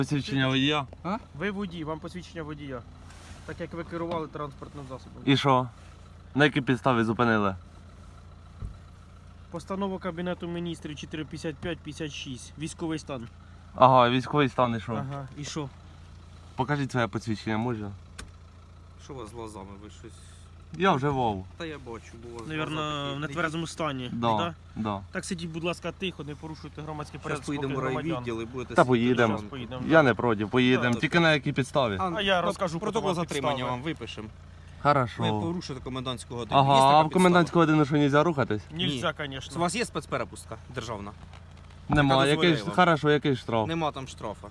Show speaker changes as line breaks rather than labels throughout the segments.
Посвідчення водія.
Ви водій, вам посвідчення водія. Так як ви керували транспортним засобом.
І що? На якій підставі зупинили?
Постанова Кабінету Міністрів 455-56. Військовий стан.
Ага, військовий стан і що?
Ага, і що?
Покажіть своє посвідчення, можна?
Що у вас з глазами? Ви щось...
Я вже вов.
Та я бачу, бо у вас
Навірно, в нетверезому стані.
Да, да.
Так сидіть, будь ласка, тихо, не порушуйте громадський
Зараз
порядок.
поїдемо в
спокій громадян.
райвідділ і будете...
Та
сидіти
поїдемо.
разом.
Поїдемо.
Я не проти, поїдемо.
Да,
Тільки на якій підставі?
А я розкажу
Протокол
потім вам
затримання
підстави.
вам випишемо. Ви
Хорошо.
порушите комендантську годину. Є
Ага,
така
а в
підстава?
комендантську годину що, нельзя рухатись?
Нельзя,
У
звісно.
вас є спецперепустка державна?
Нема.
дозволяє
Який ж,
вам.
хорошо, який штраф?
Нема там штрафа.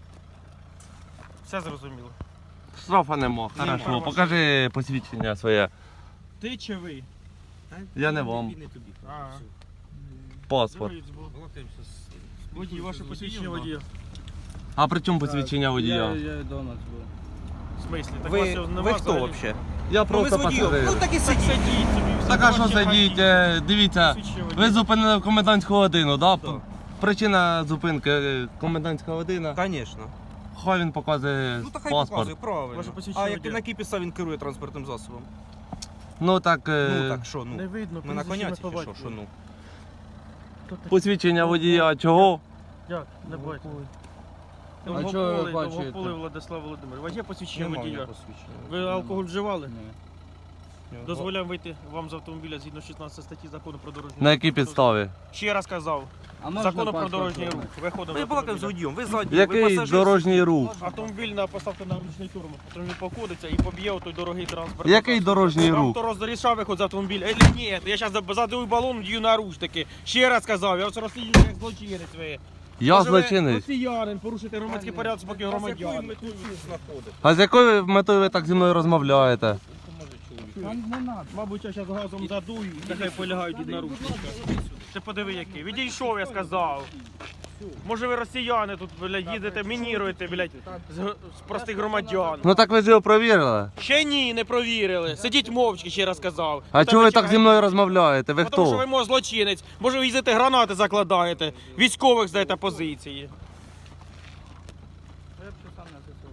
Все зрозуміло.
Штрафа нема.
Нема.
Хорошо, покажи посвідчення своє.
Ти чи ви?
Я не вам.
Не тобі.
Ага.
Все.
Паспорт.
Балакаємося з...
Водій, ваше посвідчення водія.
А при чому посвідчення водія?
Я вдома був.
В смислі? Так
Ви,
вас нема
ви хто
взагалі?
взагалі?
Я
Ну ви
просто
з водієм.
пасажир.
Ну так і
Так
сидіть.
сидіть собі. все,
Так а що
бачите,
сидіть?
ходіть.
Дивіться,
Посвідчення
ви
водія.
зупинили в комендантську годину, да?
Так.
Причина зупинки комендантська година.
Звісно.
Хай він показує
Ну так хай
паспорт.
показує, правильно.
Ваше посвідчення
А як,
водія.
на якій підставі він керує транспортним засобом?
Ну так,
Ну так що,
Не
ну?
видно,
Ми на
прізвище,
коняці
ім'я,
чи що?
по
Що ну?
батькові.
посвідчення водія чого?
Як? Не бачите.
А чого ви
Довгополий,
бачите?
Довгополий Владислав Володимирович. У вас є посвідчення
Нема
водія?
ніякого посвідчення.
Ви алкоголь вживали?
Ні.
Дозволяємо вийти вам з автомобіля згідно 16 статті закону про дорожній
На
рух.
якій підставі?
Ще раз казав.
А можна
Закону про
паспорт
дорожній рух.
зробити?
Виходимо
Ви
з
балакаємо з
автомобіля.
водієм, ви ззаді, ви
Який
пасажир.
дорожній рух?
Автомобіль поставте на ручний турм. Автомобіль покодиться і поб'є той дорогий транспорт.
Який дорожній
Вам
рух?
то розрішав виход з автомобіля? Ні, я зараз задую балон, дію наручники. Ще раз казав, я вас розслідую як злочинець ви.
Я
Може, ви
злочинець.
росіянин, порушити громадський порядок спокій громадян.
А з якою метою ви так зі мною розмовляєте?
Та не надо.
Мабуть, я зараз газом задую, нехай полягають від наручника. Ти подиви який. Відійшов, я сказав. Може ви росіяни тут, блядь, їдете, мініруєте, блядь, з простих громадян.
Ну так ви ж його провірили.
Ще ні, не провірили. Сидіть мовчки, ще раз казав.
А чого ви так зі мною розмовляєте? Ви
Тому що ви
хто?
мов злочинець. Може ви їздите гранати закладаєте, військових здаєте позиції.
Я б ще сам на ЗСУ.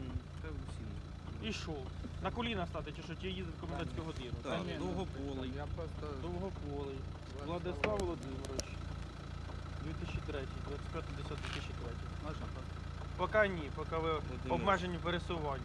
І що? На коліна стати чи що? Ті їздить в комендантську годину?
Так,
ні,
довгополий.
Я просто...
Довгополий. Владислав Володимирович. 2003, 25.10.2003.
Можна паспорт?
Поки ні, поки ви обмежені в пересуванні.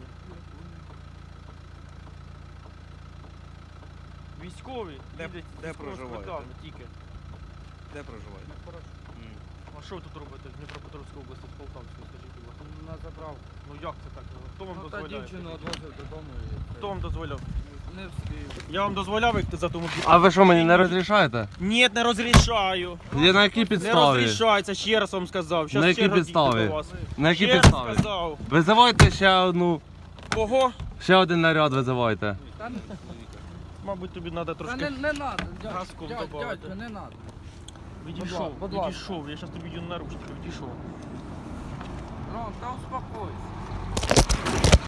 Військові
Де-
їздять з
де
військовими
проживаєте?
квитками тільки.
Де проживаєте?
А що ви тут робите в Дніпропетровській області, з Полтавської, скажіть, будь ласка?
На заправку.
Ну як це так? Хто вам
Ну, та
дозволяє?
дівчину відвозив додому і...
Хто вам дозволяв?
Не встиг.
Я вам дозволяв їхати за автомобіль?
А ви що мені не розрішаєте?
Ні, не розрішаю.
Я на якій
Не
підставі?
розрішається, ще раз вам сказав. Щас
На якій
черга дійде
підставі?
до вас.
На якій
Ще раз
підставі?
сказав.
Визивайте ще одну,
Кого?
ще один наряд визивайте.
Та не,
Мабуть, тобі треба
та
трошки
не надо,
газком
дядь,
добавити.
дядь, не надо.
Відійшов,
Будь ласка.
відійшов. Я зараз тобі дію наручники, відійшов.
Ром, та успокойся.